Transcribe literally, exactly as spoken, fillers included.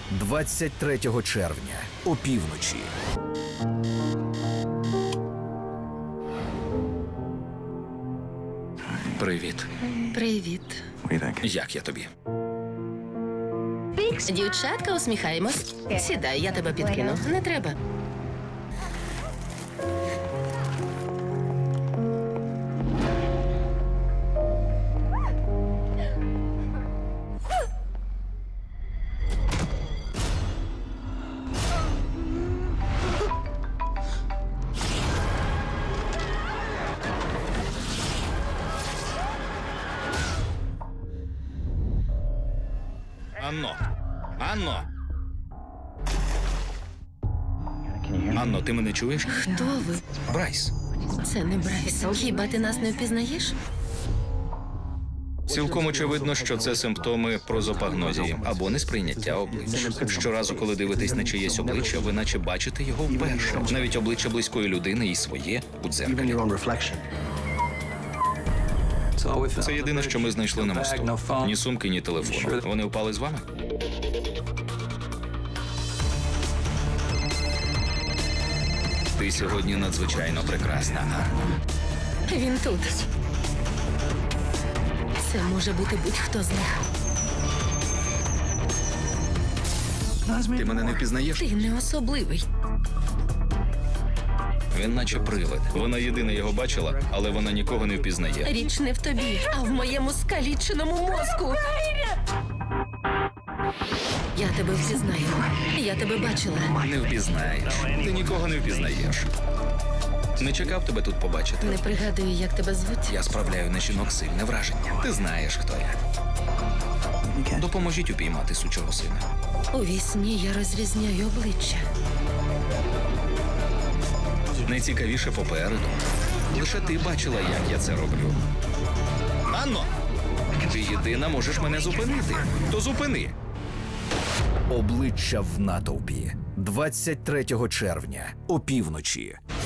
двадцять третього червня опівночі. Привіт. Привіт. Як я тобі? Дівчатка, усміхаємось. Сідай, я тебе підкину. Не треба. Анно! Анно! Анно, ти мене чуєш? Хто ви? Брайс. Це не Брайс. Хіба ти нас не впізнаєш? Цілком очевидно, що це симптоми прозопагнозії або несприйняття обличчя. Щоразу, коли дивитесь на чиєсь обличчя, ви наче бачите його вперше. Навіть обличчя близької людини і своє у дзеркалі. Це єдине, що ми знайшли на мосту. Ні сумки, ні телефону. Вони впали з вами? Ти сьогодні надзвичайно прекрасна, Анно. Він тут. Це може бути будь-хто з них. Ти мене не впізнаєш? Ти не особливий. Він наче привид. Вона єдина його бачила, але вона нікого не впізнає. Річ не в тобі, а в моєму скаліченому мозку. Я тебе впізнаю. Я тебе бачила. Не впізнаєш. Ти нікого не впізнаєш. Не чекав тебе тут побачити. Не пригадую, як тебе звуть. Я справляю на жінок сильне враження. Ти знаєш, хто я. Допоможіть упіймати сучого сина. У вісні я розрізняю обличчя. Найцікавіше попереду. Лише ти бачила, як я це роблю. Анно! Ти єдина можеш мене зупинити. То зупини. Обличчя в натовпі. двадцять третього червня опівночі.